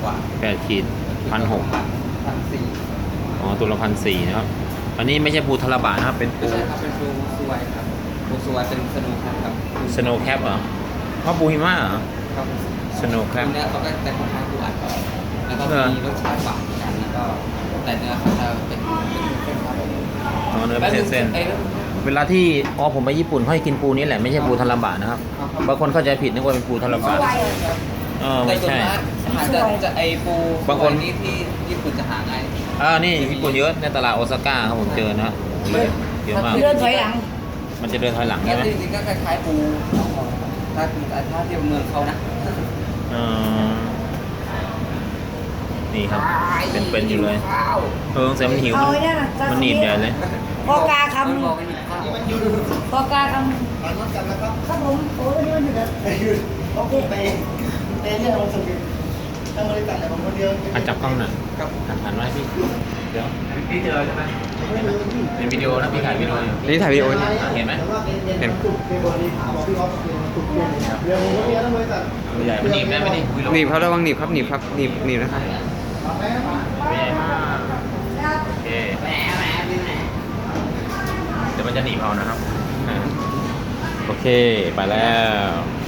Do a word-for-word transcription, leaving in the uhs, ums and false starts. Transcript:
ว่าแปดขีดพันหกพันสี่อ๋อตัวละพันสี่นะครับ อันนี้ไม่ใช่ปูทาราบะนะครับเป็นปูใช่ครับเป็นปูสวยครับปูสวยเป็นสนุกครับสโนว์แคปเหรอเพราะปูหิมะเหรอครับสโนว์แคปเนื้อเขาก็จะค่อนข้างปูอัดแล้วก็มีรสชาติหวานกันแล้วก็แต่เนื้อเขาจะเป็นเป็นเส้นๆอ๋อเนื้อเป็นเส้นๆเวลาที่อ๋อผมไปญี่ปุ่นเขาให้กินปูนี้แหละไม่ใช่ปูทาราบะนะครับบางคนเข้าใจผิดนึกว่าเป็นปูทาราบะเออไม่ใช่หาจะจะไอปูบางคนนี่ที่ญี่ปุ่นจะหาง่ายอ่านี่ญี่ปุ่นเยอะในตลาดโอซาก้าครับผมเจอนะเยอะมากเดินถอยหลังมันจะเดินถอยหลังแล้ใช่วไหมจริงๆก็คล้ายๆปูถ้าถ้าเทียบเมืองเขานะเออนี่ครับ เป็นเป็นอยู่เลยเออแต่มันหิวเอามันไอ้นั่นน่ะมันหนีบใหญ่เลยพอกาคมันบอกไม่มีข้าวำพอกาคำครับผมโอ้ยนี่มันอยู่เด้อเขาพูดไปเต้นเนี่ยเราสกิลทางบริษัทแต่ผมคนเดียวอันจับกล้องหน่อยครับหันหันมาให้พี่เดี๋ยวพี่เจอใช่ไหมเป็นวิดีโอนะพี่ถ่ายวิดีโออยู่นี่ถ่ายวีดีโอเห็นไหมเห็นตุกเป็นบริษัทบอกพี่ออฟเป็นตุกเป็นเดี๋ยวผมก็มีทั้งบริษัทตัวใหญ่มันหนีบได้ไหมนี่หนีบครับระวังหนีบครับหนีบครับหนีบหนีบนะครับตัวใหญ่มากโอเคแหมแหมนี่แหมเดี๋ยวมันจะหนีบเอานะครับอ่าโอเคไปแล้ว